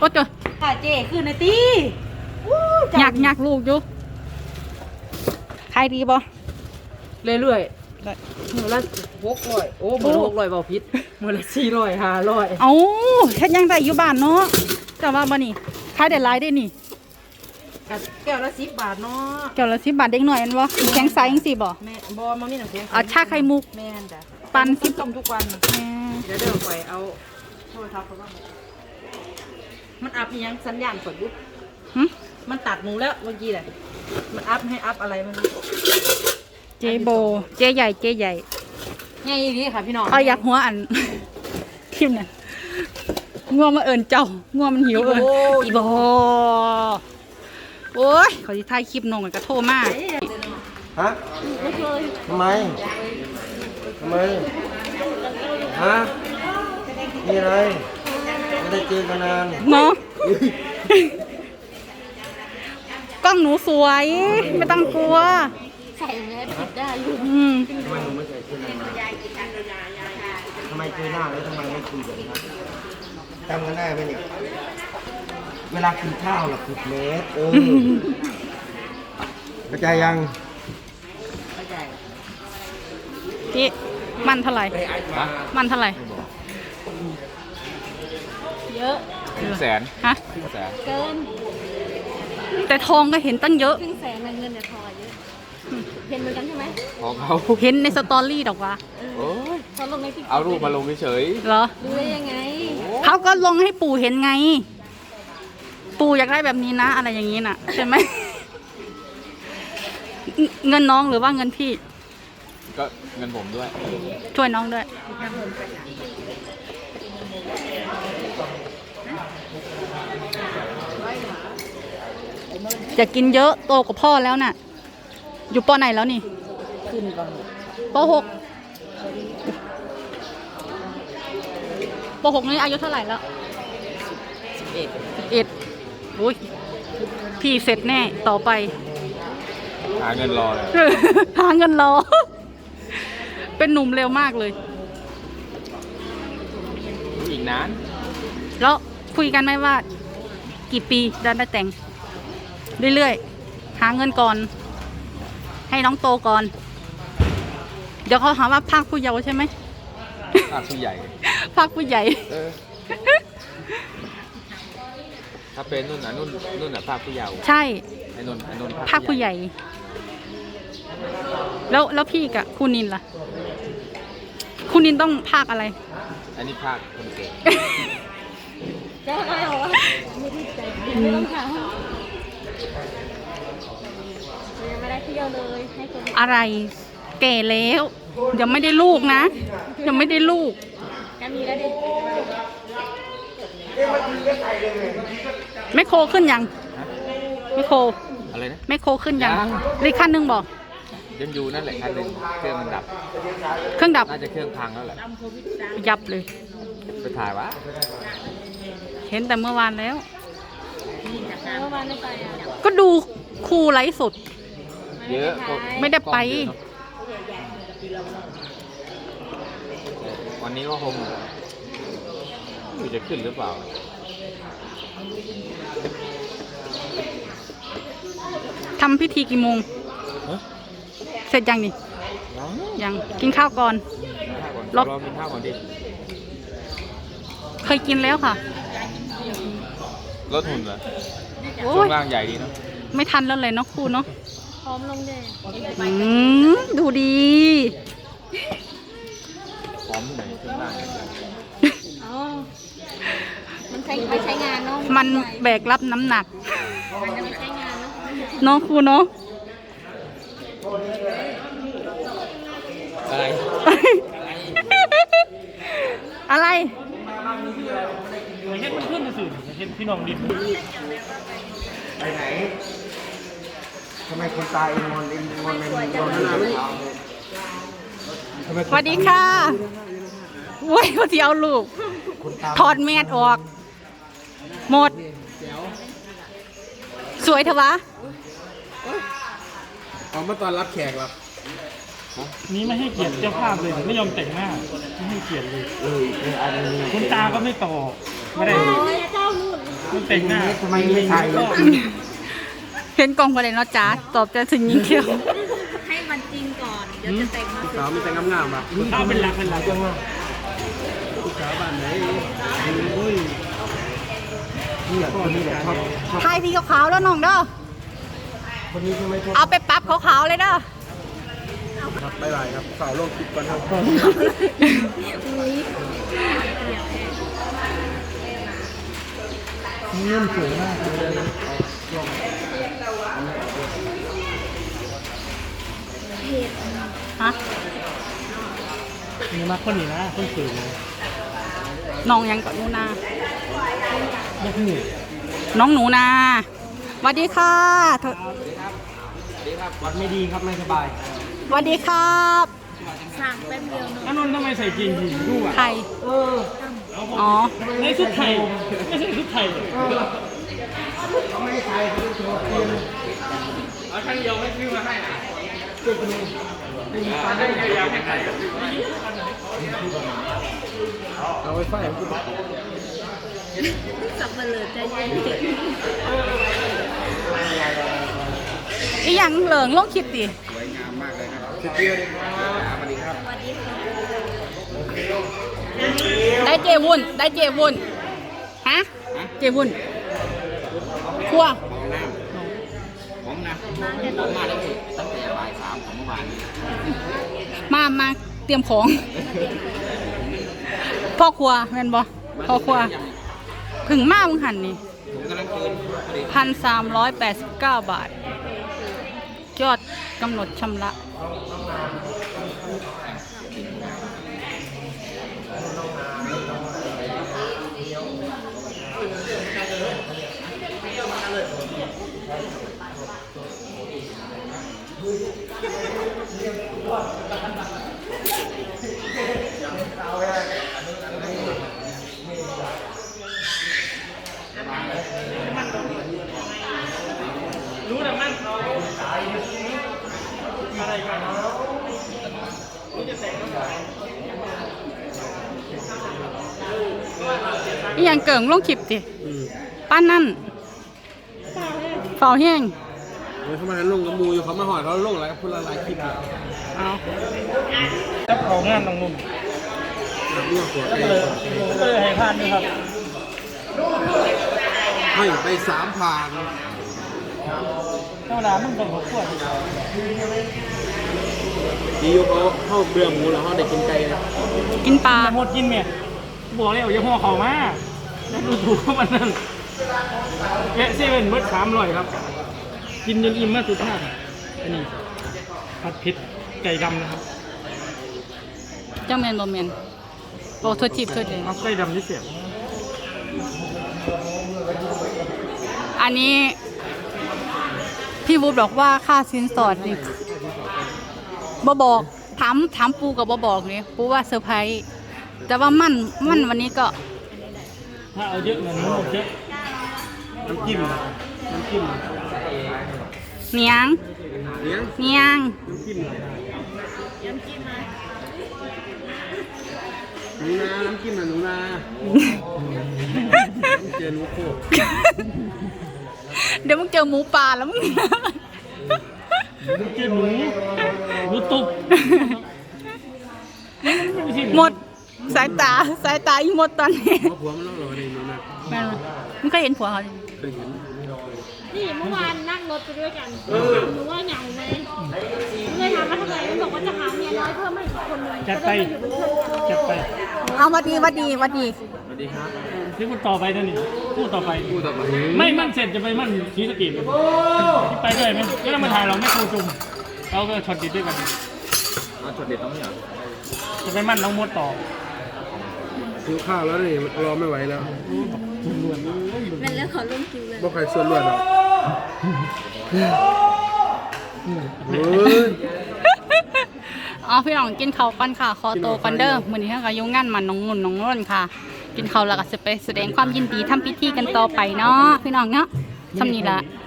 อ้เจ้าค่ะเจ๊คือนาตี้อยากลูกอยู่ขายดีบ่เรื่อยๆมือละ600โอ้มือละ600เบาพิษมือละ400 500 เอาเฮ็ดยังได้อยู่บ้านเนาะแต่ว่าบ่นี่ขายได้หลายได้นี่แก้วละ10 บาทเนาะแก้วละ10 บาทเด็กหน่อยอันบ่แข็งใสจังซี่บ่แม่บ่มามีน้ำแข็งชาไข่มุกแม่นจ้ะปั่น 10ต้มทุกวันเดี๋ยวไปเอาโทรศัพท์เขาว่ามันอัพอีหยังสัญญาณกดอยู่มันตัดหนูแล้วเมื่อกี้แหละมันอัพให้อัพอะไรมันเจโบเจใหญ่ง่ายดีค่ะพี่น้องเขาอยากหัวอันคลิปเนี่ยง่วงมาเอิญเจ้าง่วงมันหิวอีโบโอ้ยเขาที่ถ่ายคลิปนงก็โทรมาฮะทำไมฮะมีอะไรไม่ได้เจอกันนานเนาะกล้องหนูสวยไม่ต้องกลัวใส่แมสผิดได้อยู่ทำไมหนูไม่ใส่เสื้อทำไมเจอหน้าแล้วทำไมไม่คุยกันครับจำกันได้ไหมเนี่ยเวลากินข้าวเราผิดเมสเข้าใจยังพี่มันเท่าไหร่มันเท่าไหร่เยอะฮะเกินแต่ทองก็เห็นตั้งเยอะ 100,000เงินเนี่ยทองเยอะเห็นเหมือนกันใช่ไหมของเขาเห็นในสตอรี่ดอกวะเขาลงในติ๊กต็อกเอารูปมาลงเฉยเหรอดูได้ยังไงเขาก็ลงให้ปู่เห็นไงปู่อยากได้แบบนี้นะอะไรอย่างนี้น่ะใช่ไหมเงินน้องหรือว่าเงินพี่ก็เงินผมด้วยช่วยน้องด้วยจะกินเยอะโตกว่าพ่อแล้วน่ะอยู่ป.ไหนแล้วนี่ขึ้นป.6นี่อายุเท่าไหร่แล้ว11อุ้ยพี่เสร็จแน่ต่อไปหาเงินรอเลยหาเงินรอเป็นหนุ่มเร็วมากเลยอีกนานแล้วคุยกันไหมว่ากี่ปีจะได้แต่งเรื่อยๆหาเงินก่อนให้น้องโตก่อนเดี๋ยวเขาหาว่าภาคผู้เยาว์ใช่ไหมภาคผู้ใหญ่ภาคผู้ใหญ่ถ้าเป็นนุ่นน่ะภาคผู้เยาว์ใช่ไอ้นุ่นภาคผู้ใหญ่แล้วพี่กับคุณนินล่ะคุณนินต้องภาคอะไรอันนี้ภาคคนเก่งจะอะไรหรอไม่ได้ใจไม่ต้องถามยังไม่ได้เที่ยวเลยให้คนอะไรแก่แล้วยังไม่ได้ลูกนะยังไม่ได้ลูกจะมีแล้วดิไม่โคขึ้นยังไม่โคอะไรนะไม่โคขึ้นยังรีขั้นนึงบอกยังอยู่นั่นแหละคันนึงเครื่องมันดับเครื่องดับน่าจะเครื่องพังแล้วแหละยับเลยไปถ่ายวะเห็นแต่เมื่อวานแล้วเมื่อวานไม่ไปก็ดูครูไลฟ์สดเยอะไม่ได้ไปวันนี้ก็คงจะขึ้นหรือเปล่าทำพิธีกี่โมงเสร็จยังนี่ยังกินข้าวก่อนรอกินข้าวก่อนดิเคยกินแล้วค่ะรถหุ่นเหรอช่วงล่างใหญ่ดีเนาะไม่ทันแล้วเลยเนาะครูเนาะพร้อมลงเลยดูดีพร้อมที่ไหนช่วงล่างมันใช้งานเนาะมันแบกรับน้ำหนักมันจะไม่ใช้งานเนาะครูเนาะอะไรอะไรเห็นมันขึ้นสื่อเห็นพี่น้องดินไปไหนทำไมคนตายงอนในสวัสดีค่ะเว้ยพอที่เอาลูกถอดแมสออกหมดสวยเถอะวะเอามาตอนรับแขกครับนี้ไม่ให้เกียรติเจ้าภาพเลยไม่ยอมแต่งหน้าไม่ให้เกียรติเลยคุณตาก็ไม่ตอบไม่ได้มันแต่งหน้าทำไมไม่ใส่เห็นกล่องประเด็นเนาะจ้าตอบจะถึงยิงเที่ยวให้มันจริงก่อน เดี๋ยวจะแต่งมาสวยสาวมีแต่งามๆอ่ะข้าวเป็นหลักจังว่าสาวบ้านไหนโอ้ยนี่แหละคนนี้แหละชอบทายสีขาวๆแล้วน้องเด้อคนนี้ใช่ไหมชอบเอาไปปรั๊บขาวๆเลยเด้อครับบ๊ายบายครับสาวโลกคิดก่อนครับเงื่อนสวยมากเลยฮะนี่มาคนนี้นะคนสวยเลยน้องยังกับหนูนาไม่หูน้องหนูนาสวัสดีค่ะเธอวัดไม่ดีครับไม่สบายสวัสดีครับสั่งแป๊บเดียวเนอะอันนนท์ทำไมใส่จีนสีดูอ่ะไข่อ๋อในชุดไทยไม่ใช่ชุดไทยเขาไม่ให้ใส่เขาเป็นตัวเปลี่ยนเอาช่างเดียวไม่ซื้อมาให้นะเอาไว้ไฟสับเปลือใจเย็นอีหยังเหลิงลงคลิปดิสุดเปรี้ยวเลยครับสวัสดีครับสวัสดีค่ะได้เจวุ่นได้เจวุ่นฮะเจวุ่นครัวผมนะผมมาได้ตั้งแต่บ่าย3ของเมื่อวานนี้มาเตรียมของ พ่อครัวแม่นบ่พ่อครัวผึ่งมามึงหันนี่ผมกำลังคืนพอดี 1,389 บาท ยอดกำหนดชำระรู้นะมันเขาอะไรกันอีหยังเกิ่งลงคลิปดิป้านนั่นเฝ้าแห้งเขามาลงกับมูอยู่เขามาหอดเขาลงอะไรกับพลายคลิปเอาจับเขางานน้องนุ่มเรื่องขวดก็เลยให้ผ่านนะครับให้ไป3 ผ่านธรรมดามึงต้องขอขวดดีอยู่เขาเข้าเบื่อหมูแล้วเขาได้กินไก่นะกินปลาหมดกินเมียบอกเลยอย่าห่อเขามาแล้วดูถูกเขามันนั่นแกะเซเว่นเบิร์ด300ครับ กินจนอิ่มมากสุดท้ายอันนี้ผัดเผ็ดไก่ดำนะครับเจ้าแมนบ่แมนบอกโทษจีบโทษเองเอาไก่ดำที่เสียบอันนี้ พี่วูดบอกว่าค่าสินสอดนี่บ่บอกถามปูกับบ่บอกนี่ปูว่าเซอร์ไพรส์แต่ว่ามั่นวันนี้ก็ถ้าเอาเยอะเงินมันหมดเยอะน้ำจิ้มเนียงเลี้ยงเนียงน้ำจิ้มหนูนาน้ำจิ้มหนูนาเจอหนูโคกเดี๋ยวมึงเจอหมูป่าแล้วมึงน้ำจิ้มหนูตุบหมดสายตาอีหมดตอนนี้ผัวมันเล่าหรอในหนูนาแม่นบ่มึงเคยเห็นผัวเขาดิเคยเห็นนี่เมื่อวานนั่งรถไปด้วยกันหนูว่าเหงาไหมเลยถามว่าทำไมมันบอกว่าจะหาเมียน้อยเพิ่มให้อีกคนนึงจัดไป จัดไปเอาวัดดีสวัสดีครับที่พูดต่อไปนั่นนี่พูดต่อไปพูดต่อไปไม่มั่นเสร็จจะไปมั่นศรีสะเกษที่ไปด้วยไหมแล้วมาถ่ายเราไม่ครูจุ่มเราก็ช็อตดิดด้วยกันเอาช็อตเด็ดต้องเนี่ยจะไปมั่นน้องมดต่อหิวข้าวแล้วนี่รอไม่ไหวแล้วนั่นแล้วขอลงคิวเลยบ่ใครส่วนรวดหรอกเฮ้ยอ๋อพี่น้องกินข้าวกันค่ะ ขอโตวกันเด้อมื้อนี้ก็อยู่งานมันน้องนุ่นน้องร่นค่ะ กินข้าวแล้วก็สิไปแสดงความยินดีทำพิธีกันต่อไปเนาะพี่น้องเนาะสำนี้ละ